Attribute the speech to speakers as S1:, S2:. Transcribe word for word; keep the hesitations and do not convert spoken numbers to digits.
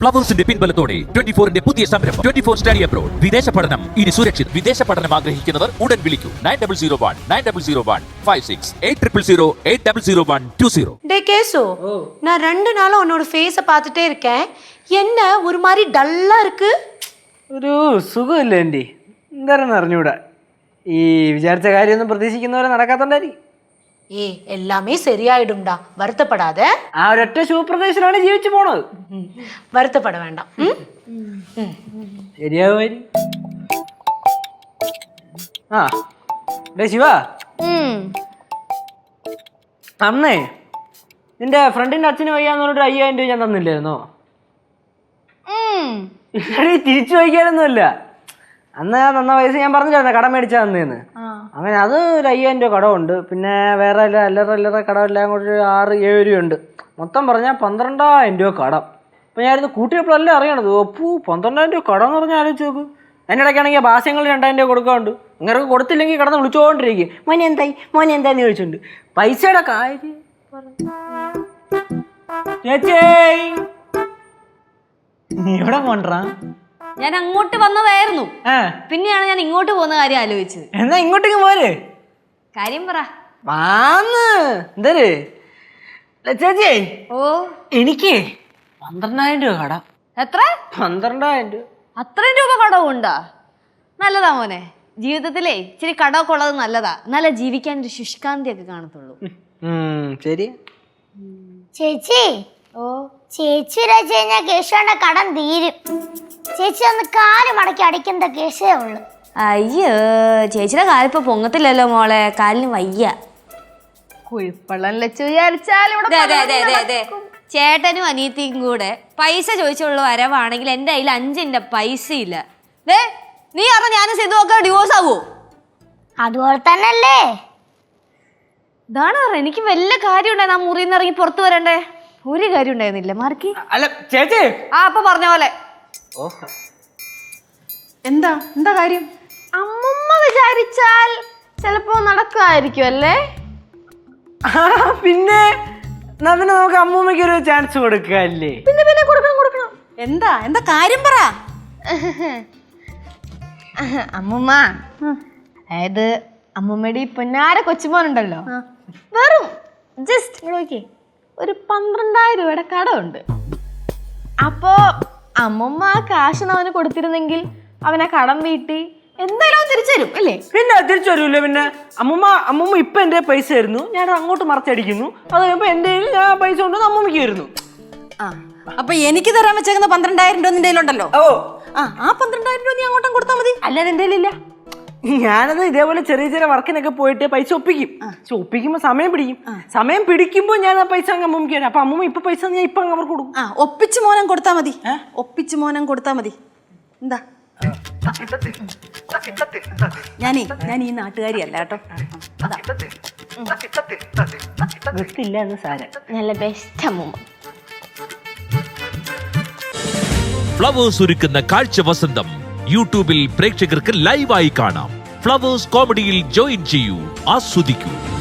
S1: ഫ്ലവേഴ്സിന്റെ പിൻബലത്തോടെ twenty ഫോറിന്റെ പുതിയ സംരംഭം ട്വന്റി ഫോർ സ്റ്റഡി അബ്രോഡ്. വിദേശ പഠനം ഇനി സുരക്ഷിത്. വിദേശ പഠനം ആഗ്രഹിക്കുന്നവർ ഉടൻ വിളിക്കൂ nine double zero one nine double zero one five six eight triple zero eight double zero one two zero.
S2: டே கேசு, நான் ரெண்டு நாளா உன்னோட ஃபேஸை பார்த்துட்டே இருக்கேன். என்ன ஒரு மாதிரி டல்லா இருக்கு?
S3: ഒരു സുഖമില്ല എൻ്റെ എന്താണെന്ന് അറിഞ്ഞൂടാ. ഈ വിചാരിച്ച കാര്യമൊന്നും പ്രതീക്ഷിക്കുന്നവരെ നടക്കാത്തോണ്ടായിരിക്കും.
S2: ஏ எல்லாமே சரியாயிடும்டா, வருத்தப்படாத.
S3: ആ ഒരൊറ്റ ശുഭപ്രദേശത്തിലാണ് ജീവിച്ചു പോണത്.
S2: வருத்தப்பட வேண்டாம்.
S3: ശരിയാവുമായിരിക്കും. ആ ഡേ ശിവ, അന്നേ നിന്റെ ഫ്രണ്ടിന്റെ അച്ഛന് വയ്യാന്ന് പറഞ്ഞിട്ട് അയ്യായിരം രൂപ ഞാൻ തന്നില്ലായിരുന്നോ? ഇല്ലടി, തിരിച്ചു വയ്ക്കാനൊന്നുമില്ല. അന്ന് തന്ന പൈസ ഞാൻ പറഞ്ഞില്ലായിരുന്നു കടം മേടിച്ചാ തന്നേന്ന്. അങ്ങനെ അത് ഒരു അയ്യായിരം രൂപ കടമുണ്ട്. പിന്നെ വേറെ അല്ലറ അല്ലറ കടമെല്ലാം കൂടി ആറ് ഏഴ് രൂപയുണ്ട്. മൊത്തം പറഞ്ഞാൽ പന്ത്രണ്ടായിരം രൂപ കടം. അപ്പം ഞാനിത് കൂട്ടിയപ്പോഴല്ലേ അറിയണത്. ഒപ്പു പന്ത്രണ്ടായിരം രൂപ കടം എന്ന് പറഞ്ഞാൽ ആലോചിച്ച് നോക്ക്. അതിൻ്റെ ഇടയ്ക്കാണെങ്കിൽ ഭാസ്യങ്ങൾ രണ്ടായിരം രൂപ കൊടുക്കാറുണ്ട്. ഇങ്ങനെ കൊടുത്തില്ലെങ്കിൽ കടന്ന് വിളിച്ചുകൊണ്ടിരിക്കും, മോനെ എന്തായി മോനെ എന്താന്ന് ചോദിച്ചിട്ടുണ്ട്. പൈസയുടെ കാര്യം ചേച്ചി നീ എവിടെ പോണ്ടാ?
S4: ഞാൻ അങ്ങോട്ട് വന്നതായിരുന്നു, പിന്നെയാണ് ഞാൻ ഇങ്ങോട്ട് പോകുന്ന കാര്യം ആലോചിച്ചത്.
S3: എന്നാ ഇങ്ങോട്ടേക്ക് പോരെ.
S4: കാര്യം പറ.
S3: വാന്ന് എന്തര് ചേച്ചി?
S4: ഓ
S3: എനിക്ക് പന്ത്രണ്ടായിരം രൂപ കടം.
S4: എത്ര?
S3: പന്ത്രണ്ടായിരം രൂപ.
S4: അത്രയും രൂപ കടവുണ്ടാ? നല്ലതാ മോനെ, ജീവിതത്തിലേ ഇച്ചിരി കടമൊക്കെ ഉള്ളത് നല്ലതാ. എന്നാലേ ജീവിക്കാൻ ഒരു ശുഷ്കാന്തി ഒക്കെ കാണത്തുള്ളൂ.
S3: ശരി
S5: ചേച്ചി.
S4: ഓ
S5: ചേച്ചി വെച്ച് കഴിഞ്ഞാൽ കേശുവിന്റെ കടം തീരും. ചേച്ചി ഒന്ന് കാല് മടക്കി അടിക്കുന്ന കേസേ ഉള്ളു.
S4: അയ്യോ, ചേച്ചിയുടെ കാലിപ്പോ പൊങ്ങത്തില്ലല്ലോ മോളെ, കാലിന് വയ്യ.
S5: കുഴിപ്പള്ളം ലച്ചു വിചാരിച്ചാൽ
S4: ചേട്ടനും അനിയത്തിയും കൂടെ പൈസ ചോദിച്ചുള്ള വരവാണെങ്കിൽ എന്റെ കയ്യിൽ അഞ്ചിന്റെ പൈസ ഇല്ല. ദേ നീ അറിഞ്ഞ ഞാനും സിദ്ധുവൊക്കെ ഡിവോഴ്സ് ആവോ?
S5: അതുപോലെ തന്നെയല്ലേ
S4: ഇതാണ് പറ. എനിക്ക് വല്ല കാര്യം ഉണ്ടായി, നാ മുറിയിൽ നിന്ന് ഇറങ്ങി പുറത്തു വരണ്ടേ? ഒരു കാര്യം ഉണ്ടായിരുന്നില്ല മാർക്കി.
S3: അല്ല ചേച്ചി.
S4: ആ അപ്പൊ പറഞ്ഞ പോലെ.
S2: എന്താ എന്താ കാര്യം?
S5: അമ്മമ്മ വിചാരിച്ചാൽ ചിലപ്പോ നടക്കുമായിരിക്കും അല്ലേ?
S3: പിന്നെ പിന്നെ നമുക്ക് അമ്മൂമ്മയ്ക്ക് ഒരു ചാൻസ് കൊടുക്കല്ലേ?
S5: പിന്നെ പിന്നെ കൊടുക്കണം കൊടുക്കണം.
S2: എന്താ എന്താ കാര്യം പറ.
S5: അമ്മൂമ്മ, അതായത് അമ്മൂമ്മയുടെ ഈ പൊന്നാര കൊച്ചുമോനുണ്ടല്ലോ, വെറും ജസ്റ്റ് നോക്കിയേ ഒരു പന്ത്രണ്ടായിരം രൂപയുടെ കടമുണ്ട്. അപ്പോ അമ്മൂമ്മ ആ കാശ് അവന് കൊടുത്തിരുന്നെങ്കിൽ അവനെ കടം വീട്ടി എന്തായാലും തിരിച്ചു തരും അല്ലേ?
S3: പിന്നെ തിരിച്ചു തരൂല്ലേ? പിന്നെ അമ്മൂമ്മ അമ്മൂമ്മ ഇപ്പൊ എന്റെ പൈസ ആയിരുന്നു, ഞാൻ അങ്ങോട്ട് മറച്ചടിക്കുന്നു. അത് കഴിയുമ്പോ എന്റെ ഞാൻ പൈസ കൊണ്ട് അമ്മൂമ്മയ്ക്ക് വരുന്നു.
S2: ആ അപ്പൊ എനിക്ക് തരാൻ വെച്ചേക്കുന്ന പന്ത്രണ്ടായിരം രൂപ നിന്റെ കയ്യിലുണ്ടല്ലോ.
S3: ഓ
S2: ആ ആ പന്ത്രണ്ടായിരം രൂപ നീ അങ്ങോട്ടും കൊടുത്താൽ മതി.
S3: അല്ലാതെ എന്റെ കയ്യിലില്ല. ഞാനത് ഇതേപോലെ ചെറിയ ചെറിയ വർക്കിനൊക്കെ പോയിട്ട് പൈസ ഒപ്പിക്കും. പക്ഷെ ഒപ്പിക്കുമ്പോ സമയം പിടിക്കും. സമയം പിടിക്കുമ്പോ ഞാൻ ആ പൈസ അങ്ങ് അമ്മൂമ്മയ്ക്ക് തരാം. അപ്പൊ അമ്മൂമ്മ ഇപ്പൊ പൈസ ഞാൻ ഇപ്പൊ അവർക്ക് കൊടുക്കും.
S2: ആ ഒപ്പിച്ച് മോനം കൊടുത്താൽ മതി. ഒപ്പിച്ച് മോനം കൊടുത്താൽ മതി. എന്താ ഞാനേ ഞാൻ ഈ നാട്ടുകാരിയല്ല കേട്ടോ.
S3: ഗത്തില്ല എന്ന് സാരം.
S5: നല്ല ബെസ്റ്റ് അമ്മൂമ്മ.
S1: ഫ്ലവേഴ്സ് ഒരുക്കുന്ന കാഴ്ച വസന്തം യൂട്യൂബിൽ പ്രേക്ഷകർക്ക് ലൈവായി കാണാം. ഫ്ലവേഴ്സ് കോമഡിയിൽ ജോയിൻ ചെയ്യൂ, ആസ്വദിക്കൂ.